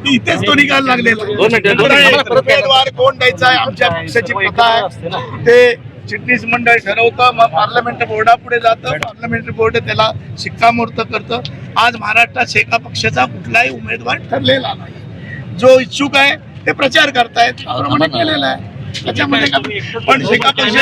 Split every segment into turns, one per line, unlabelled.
इथेच तो निकाल लागलेला उमेदवार कोण द्यायचा आहे आमच्या पक्षाची प्रथा आहे ते चिटणीस मंडळ ठरवतं मग पार्लमेंट बोर्डापुढे जातं पार्लमेंट बोर्ड त्याला शिक्कामोर्तब करतं. आज महाराष्ट्रात शेका पक्षाचा कुठलाही उमेदवार ठरलेला नाही. जो इच्छुक आहे ते प्रचार करतायत त्याप्रमाणे केलेला आहे. त्याच्यामध्ये पण शेका पक्ष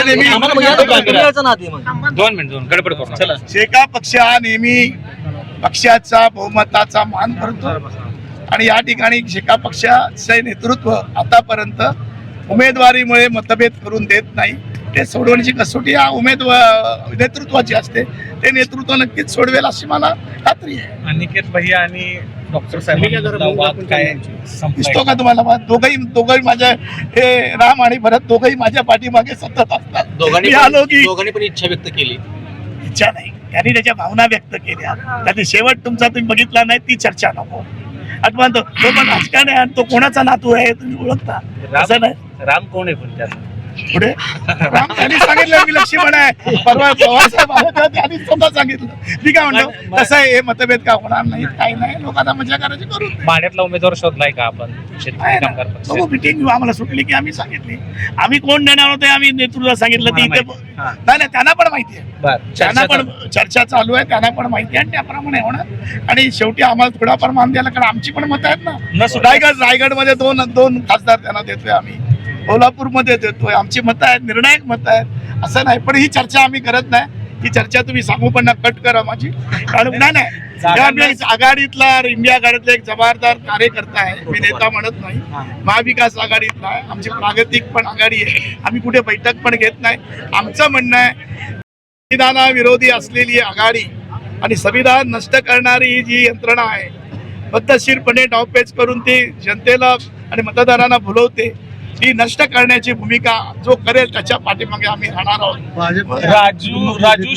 शेका पक्ष हा नेहमी पक्षाचा बहुमताचा मान करतो आणि या ठिकाणी शेका पक्षाचे नेतृत्व आतापर्यंत उमेदवारीमुळे मतभेद करून देत नाही. ते सोडवण्याची कसोटी हा नेतृत्वाची असते. ते नेतृत्व नक्कीच सोडवेल अशी मला खात्री आहे.
अनिकेत भैया आणि डॉक्टर साहेबांचा वाद काय
दिसतो का तुम्हाला? दोघंही माझ्या हे राम आणि भरत दोघंही माझ्या पाठीमागे सतत असतात.
दोघांनी पण इच्छा व्यक्त केली.
इच्छा नाही त्यांनी त्याच्या भावना व्यक्त केल्या. त्याचे शेवट तुमचा तुम्ही बघितला नाही ती चर्चा नको. आठवा तो पण राजकारण आहे आणि तो कोणाचा नातू आहे तुम्ही ओळखता असं नाही.
राम कोण आहे पण त्यात
पुढे राम त्यांनी सांगितलं मी लक्ष्मण आहे. परवा पवार साहेब आले तेव्हा त्यांनी स्वतः सांगितलं. मी काय म्हणतो तसं आहे हे मतभेद का होणार नाही काही नाही. लोकांना मजा करायची करून
माड्यातला उमेदवार शोधलाय का आपण शेतकरी कामगार पक्ष
मिटिंग आम्हाला सुटली की आम्ही सांगितली आम्ही कोण देणार होते आम्ही नेतृत्वाला सांगितलं ती इथे नाही त्यांना पण माहिती आहे. त्यांना पण चर्चा चालू आहे त्यांना पण माहिती आहे आणि त्याप्रमाणे होणार. आणि शेवटी आम्हाला थोडाफार मान द्यायला कारण आमची पण मतं आहेत ना. रायगडमध्ये दोन खासदार त्यांना देतोय आम्ही कोल्हापूरमध्ये देतोय. आमची मतं आहेत निर्णायक मतं आहेत असं नाही. पण ही चर्चा आम्ही करत नाही. ही चर्चा तुम्ही सांगू पण कट करा माझी कारण नाही आघाडीतला इंडिया आघाडीतला एक जबाबदार कार्यकर्ता आहे. मी नेता म्हणत नाही. महाविकास आघाडीतला आहे. आमची प्रागतिक पण आघाडी आहे. आम्ही कुठे बैठक पण घेत नाही. आमचं म्हणणं आहे संविधानाविरोधी असलेली आघाडी आणि संविधान नष्ट करणारी ही जी यंत्रणा आहे पद्धतशीरपणे डावपेच करून ती जनतेला आणि मतदारांना भुलवते ती नष्ट करण्याची भूमिका जो करेल त्याच्या पाठीमागे आम्ही राहणार आहोत.
राजू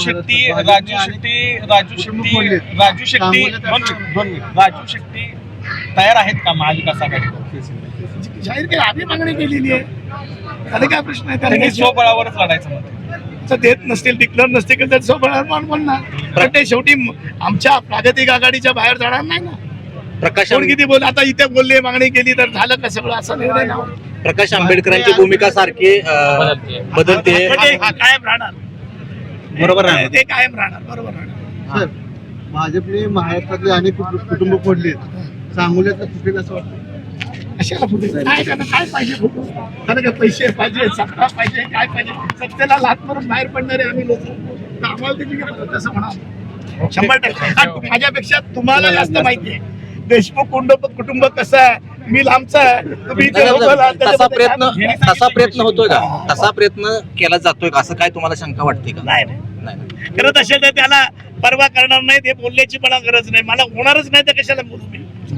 शेट्टी तयार आहेत का महाविकास आघाडी?
जाहीर केली आम्ही मागणी केलेली आहे. त्याला काय प्रश्न आहे? त्याला
स्वबळावरच लढायचं म्हणते.
देत नसतील डिक्लेअर नसतील तर त्याचं स्वबळावर म्हणणार. पण ते शेवटी आमच्या प्रागतिक आघाडीच्या बाहेर जाणार नाही ना.
प्रकाश
किती बोल आता इथे बोलले मागणी केली तर झालं का सगळं असं निर्णय ना.
प्रकाश आंबेडकरांची भूमिका सारखी बदलते
कायम राहणार.
बरोबर आहे
ते कायम राहणार बरोबर राहणार.
सर भाजपने महाराष्ट्रातले अनेक कुटुंब फोडले सांगोल्यातलं फुटेल असं वाटतं.
कशाला फुटेल? काय करणार? काय पाहिजे फुटून? त्याला काय पैसे पाहिजे सत्ता पाहिजे काय पाहिजे? सत्तेला लाथ मारून बाहेर पडणारे आम्ही लोक तर आम्हाला त्याची तसं म्हणा 100%. माझ्यापेक्षा तुम्हाला जास्त माहिती आहे देशमुख कुटुंब कसं आहे. मी लांबचा आहे तुम्ही
तसा प्रयत्न होतोय का? तसा प्रयत्न केला जातोय का असं काय तुम्हाला शंका वाटते का?
नाही करत असेल तर त्याला परवा करणार नाही. ते बोलण्याची मला गरज नाही. मला होणारच नाही तर कशाला बोलू मी.